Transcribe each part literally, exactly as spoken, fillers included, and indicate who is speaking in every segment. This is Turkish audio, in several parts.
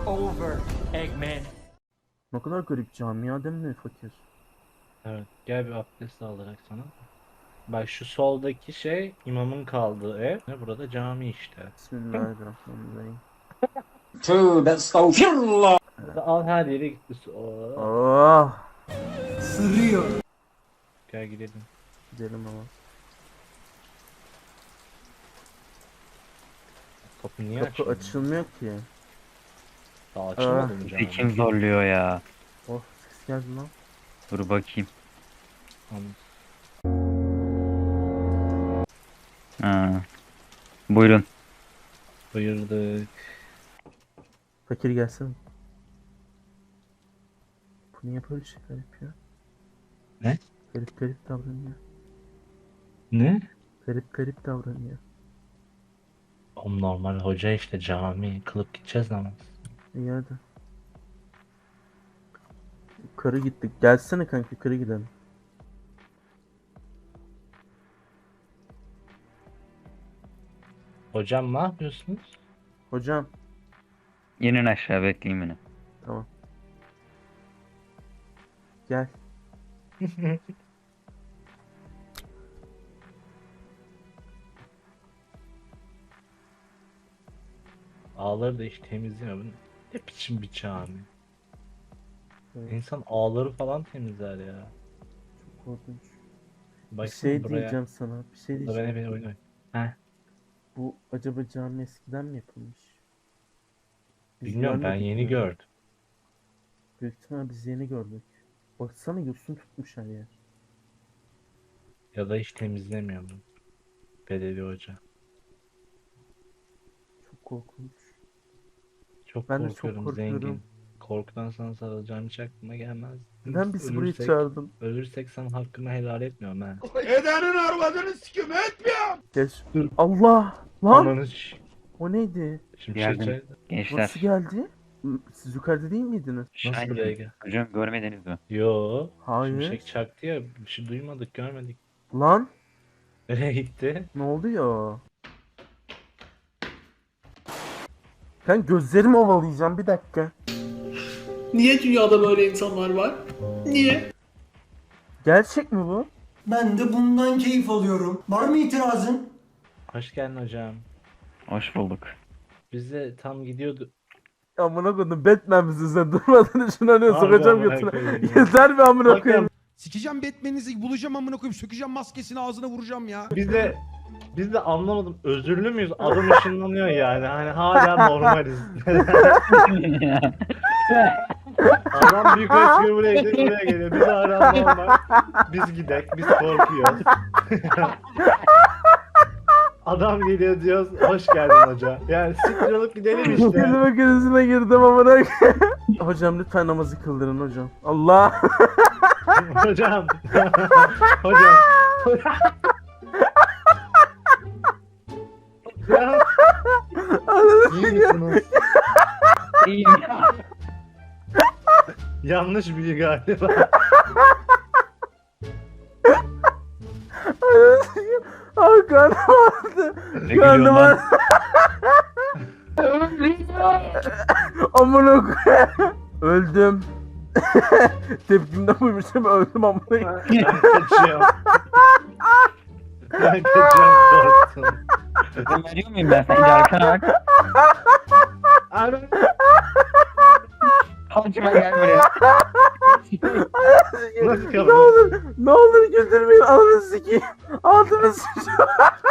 Speaker 1: over, Eggman.
Speaker 2: Ne kadar garip cami ya, değil mi fakir?
Speaker 3: Evet, gel bir abdest alarak sana. Bak şu soldaki şey imamın kaldığı ev. Burada cami işte.
Speaker 2: Bismillahirrahmanirrahim.
Speaker 1: Tövbe estağfirullah.
Speaker 3: Burada al her yere gitti. su- Oo.
Speaker 2: Oh!
Speaker 1: Sırıyor.
Speaker 3: Gel gidelim.
Speaker 2: Gidelim ama.
Speaker 3: Kapı niye
Speaker 2: Kapı
Speaker 3: açılmıyor?
Speaker 2: açılmıyor ki.
Speaker 3: Daha açılmadı mı cami?
Speaker 4: Kim zorluyor ya?
Speaker 2: Oh, ses geldi lan.
Speaker 4: Dur bakayım.
Speaker 3: Anladım.
Speaker 4: Ha. Buyurun.
Speaker 3: Buyurduk.
Speaker 2: Fakir gelsene. Bu niye böyle şeyler yapıyor?
Speaker 3: Ne?
Speaker 2: Garip garip davranıyor.
Speaker 3: Ne?
Speaker 2: Garip garip davranıyor.
Speaker 3: Oğlum normal hoca işte cami. Kılıp gideceğiz namaz.
Speaker 2: İyi hadi. Yukarı gittik. Gelsene kanka, yukarı gidelim.
Speaker 3: Hocam ne yapıyorsunuz?
Speaker 2: Hocam.
Speaker 4: İnin aşağı, bekleyin beni.
Speaker 2: Tamam. Gel.
Speaker 3: Ağları da hiç temizlemiyor. Bu ne biçim bir cami?
Speaker 2: Evet.
Speaker 3: İnsan ağları falan temizler ya.
Speaker 2: Çok korkunç. Bir
Speaker 3: Baksana
Speaker 2: şey
Speaker 3: buraya.
Speaker 2: diyeceğim sana. Bir şey
Speaker 3: Burada beni
Speaker 2: diyeceğim.
Speaker 3: beni oyun oyun. Heh.
Speaker 2: Bu acaba cami eskiden mi yapılmış? Biz
Speaker 3: Bilmiyorum, ben
Speaker 2: görmedik
Speaker 3: yeni
Speaker 2: mi?
Speaker 3: gördüm.
Speaker 2: Büyük ihtimal biz yeni gördük. Baksana, yosun tutmuş her yer.
Speaker 3: Ya da hiç temizlemiyor bu belediye hoca.
Speaker 2: Çok korkunç.
Speaker 3: Çok
Speaker 2: Ben de çok
Speaker 3: korkuyorum,
Speaker 2: korkuyorum.
Speaker 3: zengin. Korkudan sana sarılacağım, hiç aklıma gelmez.
Speaker 2: Neden bizi buraya
Speaker 3: Ölürsek-
Speaker 2: çağırdın?
Speaker 3: Ölürsek sana hakkımı helal etmiyorum ha.
Speaker 1: Edenin arvadını sikim etmiyorum.
Speaker 2: Geç.
Speaker 3: Dur.
Speaker 2: Allah! Lan!
Speaker 3: Ananı ş-
Speaker 2: O neydi?
Speaker 3: Şimdi
Speaker 4: Yardım.
Speaker 3: şey
Speaker 4: Gençler.
Speaker 2: Nasıl geldi? Siz yukarıda değil miydiniz?
Speaker 3: Nasıl
Speaker 4: Şahin.
Speaker 3: buraya gel?
Speaker 4: Hocam görmediniz mi?
Speaker 3: Yo.
Speaker 2: Hayır.
Speaker 3: Şimşek çaktı ya. Bir şey duymadık, görmedik.
Speaker 2: Lan!
Speaker 3: Nereye gitti?
Speaker 2: Ne oldu ya? Ben gözlerimi ovalayacağım, bir dakika.
Speaker 5: Niye dünyada böyle insanlar var? Niye?
Speaker 2: Gerçek mi bu?
Speaker 6: Ben de bundan keyif alıyorum. Var mı itirazın?
Speaker 3: Hoş geldin hocam.
Speaker 4: Hoş bulduk.
Speaker 3: Biz de tam gidiyordu.
Speaker 2: Amına koydum, Batman misin sen? Durmadan şuna ne
Speaker 3: Harbi
Speaker 2: sokacağım
Speaker 3: amına
Speaker 2: götüne.
Speaker 3: koyayım ya.
Speaker 2: Yeter mi amına koyayım?
Speaker 3: Bakın
Speaker 7: Sikeceğim Batman'inizi, bulacağım amına koyayım, sökeceğim maskesini, ağzına vuracağım ya.
Speaker 3: biz de biz de anlamadım. Özürlü müyüz? Adam ışınlanıyor yani. Hani hala normaliz. Adam büyük resmi buraya gidiyor, buraya geliyor. Biz hala normal. Biz gidek, biz korkuyoruz. Adam geliyor diyoruz, hoş geldin hoca. Yani siktir olup gidelim işte.
Speaker 2: Kelime krizine girdim amına koyayım. Hocam lütfen namazı kıldırın hocam. Allah!
Speaker 3: Hocam. Hocam. Ya, iyi misiniz?
Speaker 4: İyiyim ya.
Speaker 3: Yanlış bilgi galiba.
Speaker 2: Ay karnım ağrıdı.
Speaker 4: Ne
Speaker 2: Karnım
Speaker 4: gülüyorsun lan?
Speaker 2: ağrıdı. Amına koyayım. Öldüm. Tepkimden buymuşum, öldüm amına koyayım.
Speaker 3: Ben kaçıyorum. Ben kaçıyorum, korktum.
Speaker 4: Ben veriyor muyum ben? Sen de arkana bak.
Speaker 3: Abi.
Speaker 4: Kaçma, gel buraya.
Speaker 3: Nasıl
Speaker 2: Ne
Speaker 3: kapı?
Speaker 2: olur, ne olur güldürmeyin, ananı sikeyim. Altıma sıçacağım.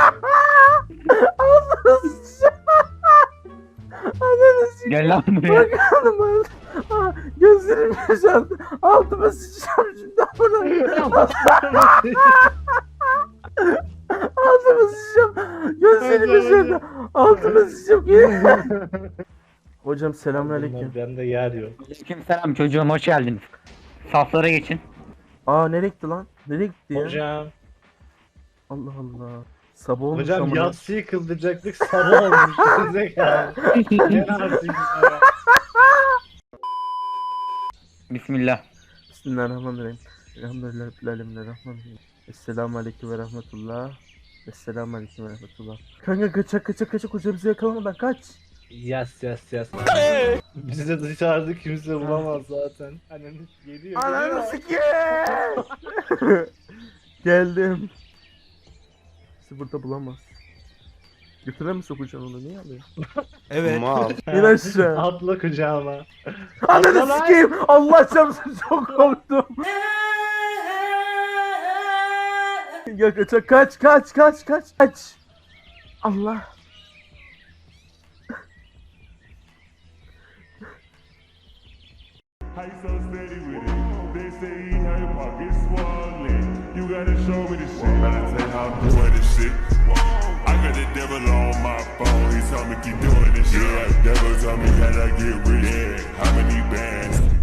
Speaker 2: Altıma sıçacağım. Ananı sikeyim.
Speaker 4: Gel lan buraya.
Speaker 2: Bakalım ben. Ah, gözlerim yaşardı. Altıma sıçacağım şimdi amına. Altıma sıçacağım. Gözlerim yaşardı. Altıma sıçacağım. Hocam selamünaleyküm.
Speaker 3: Bende yer yok.
Speaker 4: Aleyküm selam çocuğum, hoş geldiniz. Saflara geçin.
Speaker 2: Aa, nereye gitti lan? Nereye gitti ya?
Speaker 3: Hocam.
Speaker 2: Allah Allah. Sabah olmuş
Speaker 3: Hocam
Speaker 2: amına.
Speaker 3: yatsıyı kıldıracaktık, sabah olmuş. Zekalı. Gel artık ya.
Speaker 4: Bismillah.
Speaker 2: Bismillahirrahmanirrahim. Elhamdülillah Rabbil alemin. Rahmanirrahim. Esselamu aleyküm ve rahmetullah. Esselamu aleyküm ve rahmetullah. Kanka kaçak kaçak kaçak, hoca bizi yakalamadan kaç.
Speaker 3: Yas yas yas. Bizi de dışarıda kimse bulamaz zaten. Ananı geliyor.
Speaker 2: Ananı
Speaker 3: geliyor.
Speaker 2: sikeyim. Geldim. Bizi burada bulamaz. Götüre mi sokacaksın onu? Niye alıyorsun?
Speaker 7: Evet.
Speaker 2: İn aşağı.
Speaker 3: Atla kucağıma.
Speaker 2: Ananı
Speaker 3: lan.
Speaker 2: sikeyim. Allah çarpsın, çok korktum. Ya kaç kaç kaç kaç kaç kaç. Allah.
Speaker 8: How you so steady with it? They say how your pockets swollen. You gotta show me the shit. Gotta tell you how I'm doing this shit. I got the devil on my phone. He told me keep doing this shit. Yeah, devil told me that I get rich. Yeah, how many bands?